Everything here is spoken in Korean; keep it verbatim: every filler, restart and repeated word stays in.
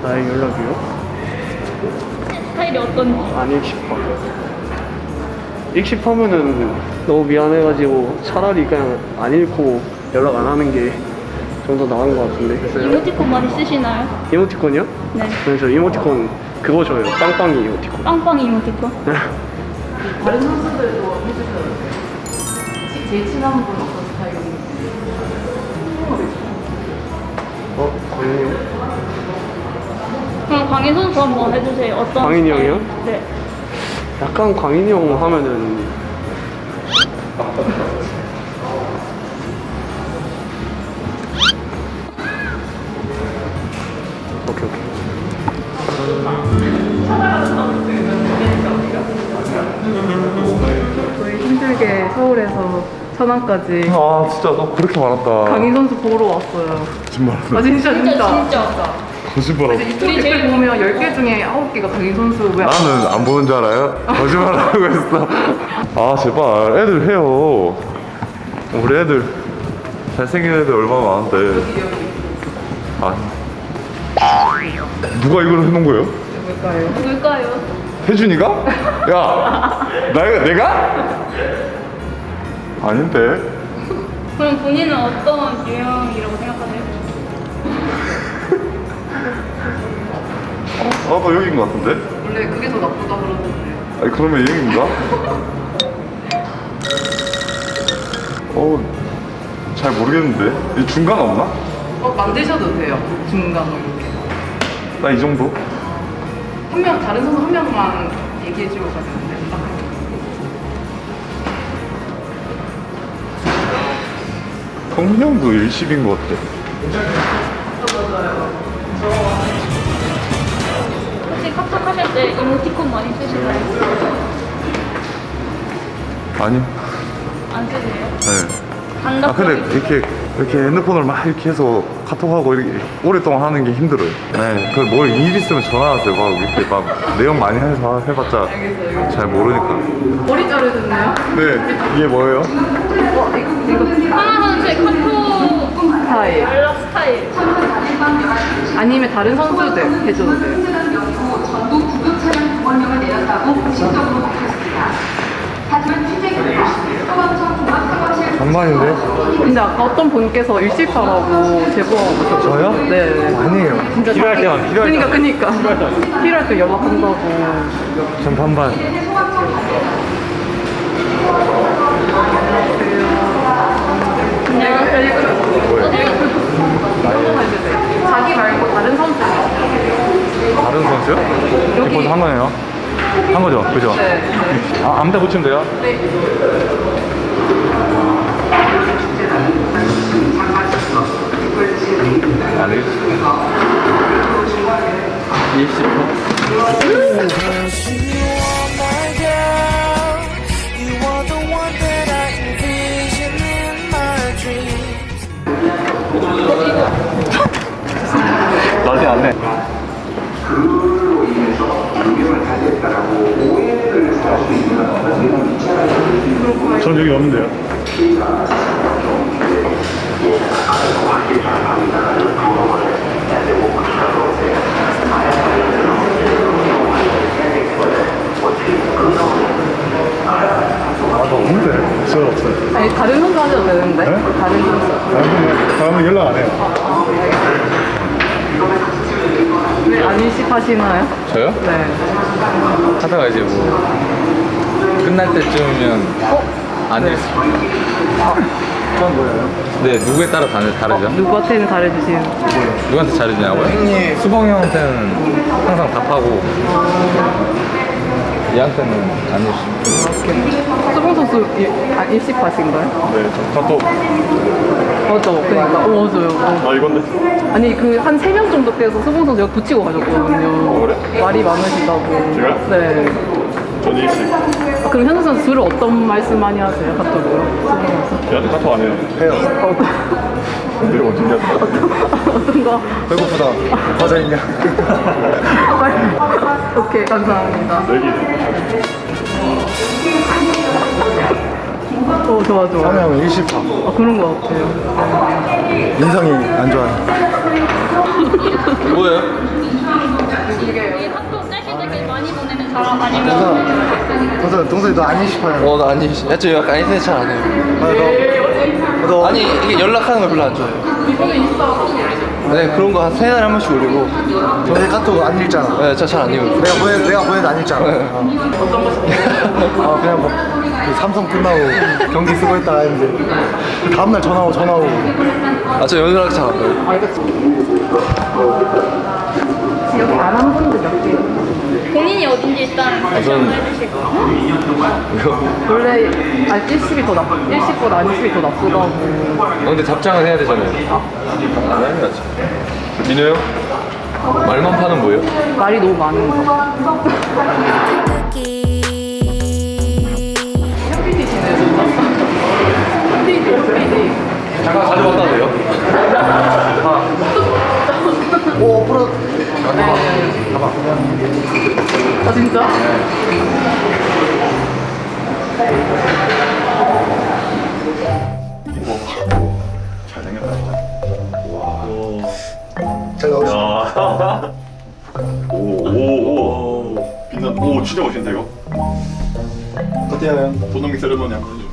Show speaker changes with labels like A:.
A: 나의 연락이요?
B: 스타일이 어떤지.
A: 안 익십하. 익십하면은 너무 미안해가지고 차라리 그냥 안 읽고 연락 안 하는 게 좀 더 나은 것 같은데. 그래서
B: 이모티콘 많이 쓰시나요?
A: 이모티콘이요?
B: 네.
A: 네, 저 이모티콘 그거 줘요. 빵빵이 이모티콘.
B: 빵빵 이모티콘?
C: 다른 선수들도 해주셔요. 제일 친한 분 어떤 스타일이세요?
A: 어? 광인이 형?
B: 그럼 광인 선수 한번 해주세요. 어떤
A: 광인이
B: 스타일?
A: 형이요?
B: 네.
A: 약간 광인이 형 하면은 오케이 오케이.
C: 저희 힘들게 서울에서 천안까지
D: 아 진짜 너 그렇게 말한다.
C: 강인 선수 보러 왔어요.
D: 거짓말.
C: 아 진짜 진짜.
B: 진짜 진짜.
D: 거짓말하고.
C: 유튜브 댓글 보면 열 개 중에 아홉 개가 강인 선수 왜 안-
D: 나는 안 보는 줄 알아요? 거짓말하고 했어. 아 제발 애들 해요. 우리 애들 잘생긴 애들 얼마나 많은데. 아 누가 이걸 해놓은 거예요?
C: 뭘까요?
B: 누굴까요?
D: 혜준이가? 야 나, 내가? 아닌데.
B: 그럼 본인은 어떤 유형이라고 생각하세요?
D: 나도 여기인 것 같은데?
C: 원래 그게 더 나쁘다 그러던데.
D: 아니 그러면 얘인가? 어우 잘 모르겠는데. 이 중간 없나?
C: 어 만드셔도 돼요. 중간으로 이렇게.
D: 나 이 정도?
C: 한 명 다른 선수 한 명만 얘기해 주고 가겠는데. 딱 한 명.
D: 성민이 형도 일십인 것 같아.
B: 혹시 카톡 하실 때 이모티콘 많이 쓰시나요?
D: 아니요.
B: 안 쓰세요?
D: 네.
B: 단답.
D: 아 근데 이렇게 이렇게 핸드폰을 막 이렇게 해서 카톡하고 이렇게 오랫동안 하는 게 힘들어요. 네. 그 뭘 일 있으면 전화하세요. 막 이렇게 막 내용 많이 해서 해봤자
C: 알겠어요.
D: 잘 모르니까.
C: 머리 자르셨나요?
D: 네. 이게 뭐예요?
C: 어 이거 이거
B: 하나 선수의 카톡
C: 스타일.
B: 연락 스타일.
C: 아니면 다른 선수들 해줘도 돼요.
E: 전부 구급 차량 두 명을 내렸다고 공식적으로 밝혔습니다. 하지만 취재 결과 소방청 종합사고실
D: 장난인데?
C: 근데 아까 어떤 분께서 일시파라고 제보하고
D: 저요?
C: 네.
D: 아니에요.
C: 진짜
D: 필요할
C: 자기-
D: 때만 필요할
C: 그러니까
D: 때만.
C: 그러니까 필요할 때 연락한다고.
D: 전 반반.
C: 자기 말고 다른 선수.
D: 다른 선수요?
C: 여기-
D: 벌써 한 거네요. 한 거죠? 그죠?
C: 네.
D: 아, 아무데 붙이면 돼요?
C: 네.
D: 아니. 일십 분. 난리 났네. 전 여기 없는데요. 아나 없는데. 저 없어요.
C: 아니 다른 선수 하셔도 되는데.
D: 네?
C: 다른 선수.
D: 다음은 다음은 연락 안 해요.
C: 왜 안 일시하시나요?
F: 저요?
C: 네.
F: 하다가 이제 뭐 끝날 때쯤이면 안 될 수.
D: 그건 뭐예요?
F: 네, 누구에 따라 다르, 다르죠?
C: 누구한테는 잘해주시는.
F: 누구한테 잘해주냐고요? 수봉이 형한테는 항상 답하고 얘한테는 안 해주시고.
C: 수봉 선수 일, 아, 일시파신가요?
D: 네, 저 카톡.
C: 맞아. 그러니까. 어, 맞아요. 어.
D: 아 이건데.
C: 아니 그 한 세 명 정도 돼서 수봉 선수 여기 붙이고 가셨거든요.
D: 그래?
C: 말이 많으시다고.
D: 제가요?
C: 네.
D: 전 일십.
C: 아, 그럼 현수 선수 주로 어떤 말씀 많이 하세요? 카톡으로? 수봉 선수?
D: 얘한테 카톡 안 해요. 해요.
C: 어,
D: 근데 이거 어떻게 했어?
C: 어떤 거?
D: 배고프다. 과자 있냐?
C: 오케이 감사합니다.
D: 내기.
C: 어, 좋아, 좋아.
G: 성형은 일십파.
C: 아, 그런 거 같아요.
G: 인성이 안 좋아요.
F: 뭐예요?
B: 이 학교 짤기들끼리 많이 보내는 사람 아니면
G: 동서, 동서이 너 안 일십파야.
H: 어, 나 아니, 야, 저 약간 인터넷 잘 안 해요.
G: 아, 너, 너
H: 아니, 이게 연락하는 걸 별로 안 좋아해요. 네, 그런 거 한 세 달에 한 번씩 올리고.
G: 동서이 카톡 안 읽잖아.
H: 네, 저 잘 안 읽어요.
G: 내가 보내, 내가 보내도 안 읽잖아. 어, 그냥 뭐, 그 삼성 끝나고 경기 쓰고 있다가 했는데, 그 다음날 전화 오고, 전화 오고.
H: 아, 저 연락 잘 안 해요.
C: 여기 안 한 분들 몇 개?
B: 본인이 어딘지 일단
F: 저는-
B: 해주시고.
C: 원래, 아, 일십이 더 나쁘, 일십보다 안십이 더 나쁘다고.
F: 어, 근데 답장은 해야 되잖아요. 안 해야지. 민호 형? 말만 파는 뭐예요?
C: 말이 너무 많은 거.
F: 잠깐 가져갔다 돼요?
G: 오, 풀어.
C: 아, 진짜?
G: 잘 나왔어.
I: 오오오 빛나 오 진짜 멋있는데 이거
G: 어때요, 형?
I: 도노믹 세레머니 한번 해줘